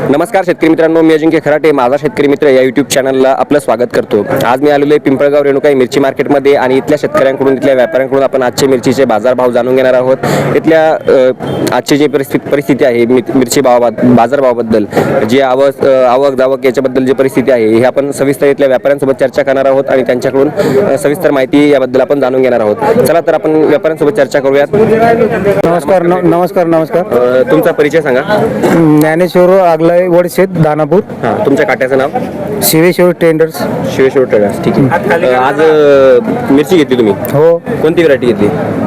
नमस्कार शेतकरी मित्रांनो, मी अजिंक्य खराटे माझा शेतकरी मित्र या यूट्यूब चॅनलला आपलं स्वागत करतो। आज मी आलेलो आहे पिंपळगाव रेणुकाई मिरची मार्केटमध्ये आणि इथल्या शेतकऱ्यांकडून इथल्या व्यापाऱ्यांकडून आपण आजचे मिरचीचे बाजारभाव जाणून घेणार आहोत। इथल्या आजची जी परिस्थिती आहे मिरची बाजारभावाबद्दल जी आवक जावक याच्याबद्दल जी परिस्थिती आहे हे आपण सविस्तर इथल्या व्यापाऱ्यांसोबत चर्चा करणार आहोत आणि त्यांच्याकडून सविस्तर माहिती याबद्दल आपण जाणून घेणार आहोत। चला तर आपण व्यापाऱ्यांसोबत चर्चा करूयात। नमस्कार। तुमचा परिचय सांगा। ज्ञानेश्वर आगलाय वडशेत दानापूर। तुमच्या काट्याचं नाव? शिवेश्वर टेंडर्स। शिवेश्वर टेंडर्स, ठीक आहे। आज मिरची घेतली तुम्ही? हो। कोणती व्हरायटी घेतली?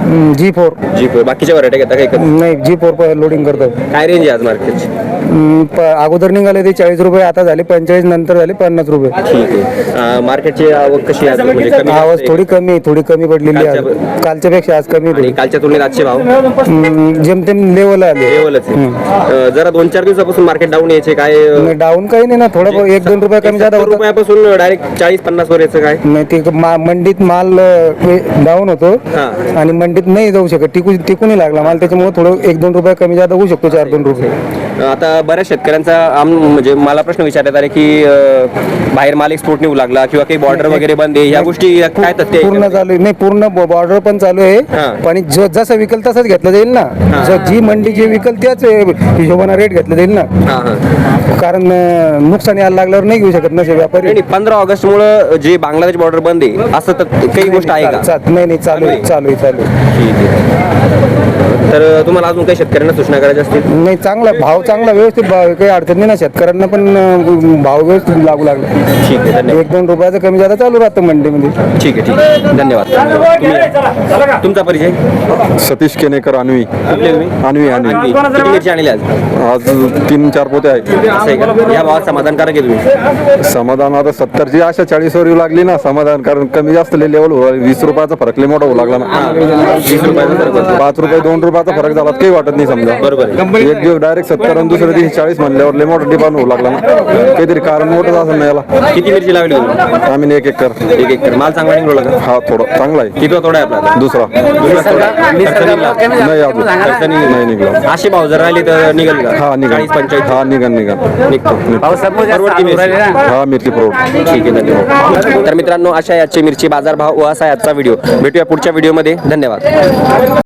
G4। बाकीच्या व्हरायटी घेता काही? नाही, G4 लोडिंग करतो। काय रेंज आहे आज मार्केटची? अगोदर निघाले ते 40 रुपये, आता झाले 45, नंतर झाले 50 रुपये। ठीक आहे। मार्केटची आवक कशी आहे? म्हणजे कमी आवाज थोडी कमी पडलेली आहे कालच्या पेक्षा, आज कमी आणि कालच्या तुलनेत आजचे भाव जेमतेम लेवल आले। लेवलच आहे। जरा 2-4 दिवसापासून मार्केट डाऊन यायचे, काय डाऊन काही नाही ना, थोडं 1-2 रुपये कमी जादा होतं। रुपयापासून डायरेक्ट 40-50 वर यायचं काय नाही, ते मंडीत माल डाऊन होतो आणि मंडीत नाही जाऊ शकत, टिकूनही लागला माल, त्याच्यामुळे थोडं 1-2 रुपये कमी जादा होऊ शकतो, 4-2 रुपये। आता बऱ्याच शेतकऱ्यांचा म्हणजे मला प्रश्न विचारण्यात आले की बाहेर माल एक्सपोर्ट निघू लागला किंवा काही बॉर्डर वगैरे बंद आहे, या गोष्टी काय तथ्य पूर्ण चालू आहे? नाही, पूर्ण बॉर्डर पण चालू आहे, पण जसं विकल तसंच घेतलं जाईल ना। जी मंडी जी विकल त्याच हिशोबाने रेट घेतलं जाईल ना, कारण नुकसान यायला लागल्यावर नाही घेऊ शकत नसे व्यापारी। 15 ऑगस्ट मुळे जे बांगलादेश बॉर्डर बंद आहे असं तर काही गोष्ट आहे का? नाही, चालू आहे। ठीक आहे। तर तुम्हाला अजून काही शेतकऱ्यांना सूचना करायची असतील? नाही, चांगला व्यवस्थित भाव आहे, काही अडचण नाही ना, शेतकऱ्यांना पण भाव व्यवस्थित लागू लागला। ठीक आहे, धन्यवाद। 1-2 रुपयाचं कमी जादा चालू राहतं मंडीमध्ये। ठीक आहे, धन्यवाद। तुमचा परिचय? सतीश केनेकर, अन्वी। किती मिरची आणली आज 3-4 पोते आहेत। असं आहे का? या भावात समाधानकारक आहे तुम्ही? समाधान आता 70ची आशा 40 वर येऊ लागली ना समाधान, कारण कमी जास्त लेवल 20 रुपयाचा फरक लय मोठा होऊ लागला ना। 20 रुपयाचा फरक होता। 5 रुपये 2 रुपयाचा फरक झाला काही वाटत नाही समजा। बरोबर आहे। एक दिवस डायरेक्ट 70 आणि दुसऱ्या दिवशी 40 म्हणल्यावर लय मोठा डिमांड होऊ लागला ना, काहीतरी कारण मोठंच असं नाही याला। किती मिरची लावली तुम्ही? आम्ही 1 एकर। 1 एकर माल चांगला निघाला का? हा, थोडा चांगला आहे। किती तोडा आहे आपला? दुसरा नाही, अजून नाही निघला। असे भाव जर राहिले तर निघेल का? हा, निघा 40-45 हा, निघा निघतो। परवडती मिरची? हा, मिरची परवडते। ठीक आहे, धन्यवाद। तर मित्रांनो, अशा याचे मिरची बाजारभाव व असा याचा व्हिडिओ भेटूया पुढच्या व्हिडिओमध्ये। धन्यवाद।